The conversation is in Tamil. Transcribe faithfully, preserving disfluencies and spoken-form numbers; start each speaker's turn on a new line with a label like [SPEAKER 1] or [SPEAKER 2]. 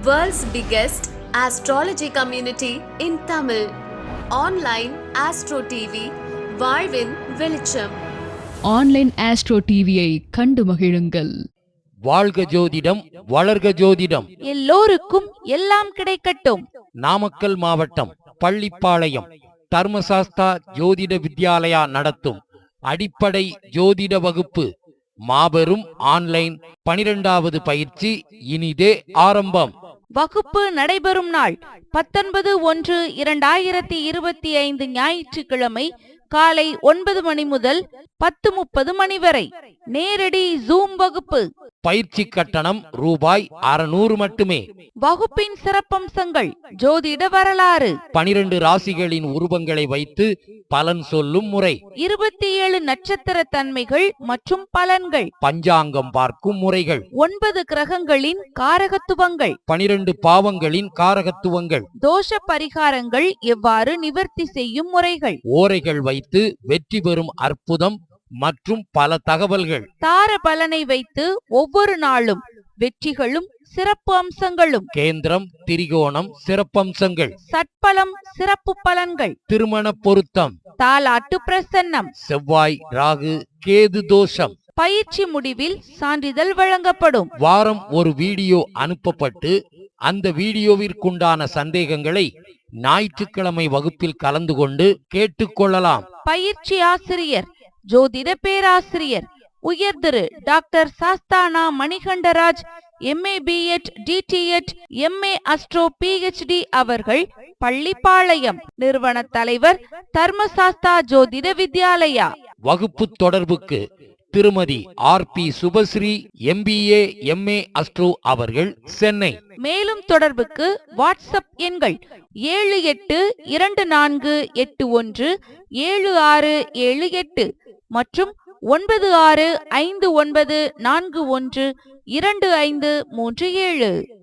[SPEAKER 1] World's biggest astrology community in Tamil. Online Astro T V, வாழ்வின் வெளிச்சம்.
[SPEAKER 2] ஆன்லைன் ஆஸ்ட்ரோ டிவியை கண்டு மகிழுங்கள்.
[SPEAKER 3] வாழ்க ஜோதிடம், வளர்க ஜோதிடம்.
[SPEAKER 4] எல்லோருக்கும் எல்லாம் கிடைக்கட்டும்.
[SPEAKER 3] நாமக்கல் மாவட்டம் பள்ளிப்பாளையம் தர்மசாஸ்தா ஜோதிட வித்யாலயா நடத்தும் அடிப்படை ஜோதிட வகுப்பு மாபெரும் ஆன்லைன் பனிரெண்டாவது பயிற்சி இனிதே ஆரம்பம்.
[SPEAKER 4] வகுப்பு நடைபெறும் நாள் பத்தொன்பது ஒன்று இரண்டாயிரத்தி இருபத்தி ஐந்து ஞாயிற்றுக்கிழமை காலை ஒன்பது மணி முதல் பத்து முப்பது மணி வரை நேரடி ஜூம் வகுப்பு.
[SPEAKER 3] பயிற்சி கட்டணம் ரூபாய் அறுநூறு மட்டுமே.
[SPEAKER 4] வகுப்பின் சிறப்பம்சங்கள்: ஜோதிட வரலாறு,
[SPEAKER 3] பனிரெண்டு ராசிகளின் உருவங்களை வைத்து பலன் சொல்லும் முறை,
[SPEAKER 4] இருபத்தி ஏழு நட்சத்திர தன்மைகள் மற்றும் பலன்கள்,
[SPEAKER 3] பஞ்சாங்கம் பார்க்கும் முறைகள்,
[SPEAKER 4] ஒன்பது கிரகங்களின் காரகத்துவங்கள்,
[SPEAKER 3] பனிரெண்டு பாவங்களின் காரகத்துவங்கள்,
[SPEAKER 4] தோஷ பரிகாரங்கள் எவ்வாறு நிவர்த்தி செய்யும் முறைகள்,
[SPEAKER 3] ஓரைகள் வைத்து வெற்றி பெறும் அற்புதம் மற்றும் பல தகவல்கள்,
[SPEAKER 4] தார பலனை வைத்து ஒவ்வொரு நாளும் வெற்றிகளும் சிறப்பு அம்சங்களும்,
[SPEAKER 3] கேந்திரம் திரிகோணம் சிறப்பம்சங்கள்,
[SPEAKER 4] சட்பலம் சிறப்பு பலன்கள்,
[SPEAKER 3] திருமண பொருத்தம்,
[SPEAKER 4] தாலாட்டு பிரசன்னம்,
[SPEAKER 3] செவ்வாய் ராகு கேது தோஷம்.
[SPEAKER 4] பயிற்சி முடிவில் சான்றிதழ் வழங்கப்படும்.
[SPEAKER 3] வாரம் ஒரு வீடியோ அனுப்பப்பட்டு அந்த வீடியோவிற்குண்டான சந்தேகங்களை ஞாயிற்றுக்கிழமை வகுப்பில் கலந்து கொண்டு கேட்டுக்கொள்ளலாம்.
[SPEAKER 4] பயிற்சி ஆசிரியர் ஜோதிட பேராசிரியர் உயர் Thiru doctor Sasthana Manikandaraj, MA BEd DTEd MA astro PhD அவர்கள், பள்ளிப்பாளையம். நிறுவன தலைவர் தர்மசாஸ்தா ஜோதிட வித்யாலயா.
[SPEAKER 3] வகுப்பு தொடர்புக்கு Thirumathi R P Subhashree, MBA MA astro அவர்கள், சென்னை.
[SPEAKER 4] மேலும் தொடர்புக்கு வாட்ஸ்அப் எண்கள் ஏழு எட்டு இரண்டு நான்கு எட்டு ஒன்று ஏழு ஆறு ஏழு எட்டு மற்றும் ஒன்பது ஆறு ஐந்து ஒன்பது நான்கு ஒன்று இரண்டு ஐந்து மூன்று ஏழு.